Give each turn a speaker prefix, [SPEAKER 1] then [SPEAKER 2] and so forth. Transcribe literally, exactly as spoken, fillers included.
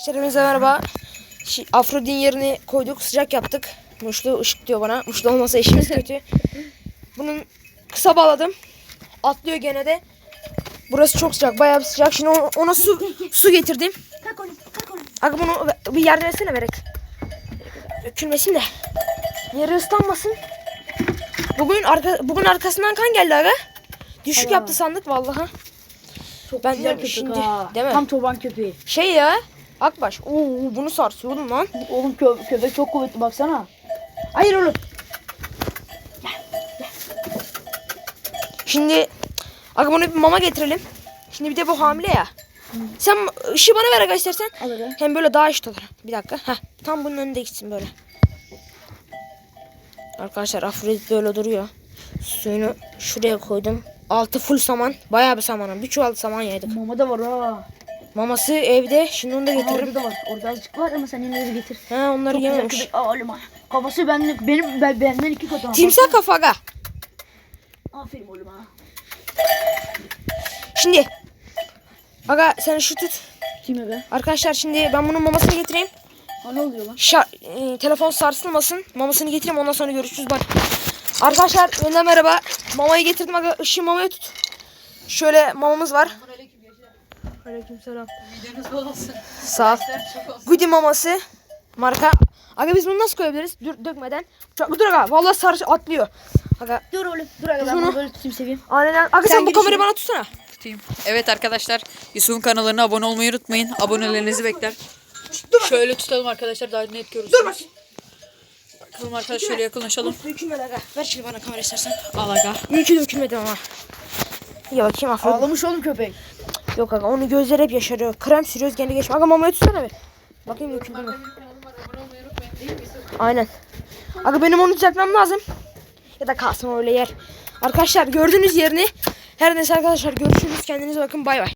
[SPEAKER 1] Hepinize merhaba. Afrodin yerini koyduk, sıcak yaptık. Muşlu ışık diyor bana. Muşlu olmasa işimiz kötü. Bunun kısa bağladım. Atlıyor gene de. Burası çok sıcak, bayağı bir sıcak. Şimdi ona, ona su su getirdim.
[SPEAKER 2] Kalk onu, kalk onu.
[SPEAKER 1] Aga bunu bir yerden etsene Berek. Dökülmesin de. Yeri ıslanmasın. Bugün arka bugün arkasından kan geldi aga. Düşük
[SPEAKER 2] Aa.
[SPEAKER 1] yaptı sandık vallahi.
[SPEAKER 2] Çok
[SPEAKER 1] Ben
[SPEAKER 2] güzel
[SPEAKER 1] de
[SPEAKER 2] köpek
[SPEAKER 1] şimdi,
[SPEAKER 2] ha.
[SPEAKER 1] değil mi?
[SPEAKER 2] Tam çoban köpeği.
[SPEAKER 1] Şey ya. Akbaş. Oo bunu sarsıyor oğlum lan.
[SPEAKER 2] Oğlum kö köpek çok kuvvetli baksana.
[SPEAKER 1] Hayır oğlum. Şimdi aga bunu bir mama getirelim. Şimdi bir de bu hamile ya. Hı. Sen ışığı bana ver aga istersen.
[SPEAKER 2] Al aga.
[SPEAKER 1] Hem böyle daha eşit olur. Bir dakika. Heh, tam bunun önünde gitsin böyle. Arkadaşlar Afrodit böyle duruyor. Suyunu şuraya koydum. Altı full saman. Bayağı bir samanım. Bir çuval saman yedik.
[SPEAKER 2] Mama da var ha.
[SPEAKER 1] Maması evde. Şimdi onu da
[SPEAKER 2] Aa,
[SPEAKER 1] getiririm.
[SPEAKER 2] orada da var. Orada azıcık var ama sen yine de getir.
[SPEAKER 1] He onları
[SPEAKER 2] Çok güzel
[SPEAKER 1] yememiş.
[SPEAKER 2] köpek. Aa oğlum ha. Kafası benden, benim, ben, benden iki kat.
[SPEAKER 1] Timsah kafa aga.
[SPEAKER 2] Aferin oğlum ha.
[SPEAKER 1] Şimdi. Aga sen şu tut.
[SPEAKER 2] Kime be?
[SPEAKER 1] Arkadaşlar şimdi ben bunun mamasını getireyim.
[SPEAKER 2] Ha ne oluyor lan?
[SPEAKER 1] Şa e, telefon sarsılmasın. Mamasını getireyim ondan sonra görüşürüz bak. Arkadaşlar yeniden merhaba. Mamayı getirdim aga. Işığı mamaya tut. Şöyle mamamız var. Aleykümselam.
[SPEAKER 3] Videonuz bol olsun.
[SPEAKER 1] Sağ ol. Goody maması. Marka. Aga biz bunu nasıl koyabiliriz? Dur dökmeden. Çok, dur aga. Vallahi sarı atlıyor. Aga.
[SPEAKER 2] Dur oğlum. Dur aga ben
[SPEAKER 1] Bunu-
[SPEAKER 2] bunu böyle tutayım seveyim.
[SPEAKER 1] Aynen. Aga sen,
[SPEAKER 2] Sen
[SPEAKER 1] bu
[SPEAKER 2] gir
[SPEAKER 1] kamerayı
[SPEAKER 2] içeri.
[SPEAKER 1] bana tutsana.
[SPEAKER 3] Tutayım. Evet arkadaşlar, Yusuf'un kanalına abone olmayı unutmayın. Abonelerinizi bekler. Şöyle tutalım arkadaşlar, daha net görürsünüz.
[SPEAKER 1] Dur bak.
[SPEAKER 3] Bakalım arkadaşlar, şöyle yakınlaşalım.
[SPEAKER 1] Dökülmedi aga. Ver şimdi bana kamera istersen.
[SPEAKER 3] Al aga.
[SPEAKER 1] İyi ki dökülmedi ama. İyi bakayım Afrodit.
[SPEAKER 2] Ağlamış oğlum köpek.
[SPEAKER 1] Yok aga onun gözleri hep yaşarıyor. Krem sürüyoruz gene geçme. Aga mamaya tutsana bir. Bakayım döküldü mü? Aynen. Aga benim onu düzeltmem lazım. Ya da kalsın öyle yer. Arkadaşlar gördüğünüz yerini. Her neyse arkadaşlar görüşürüz. Kendinize bakın bay bay.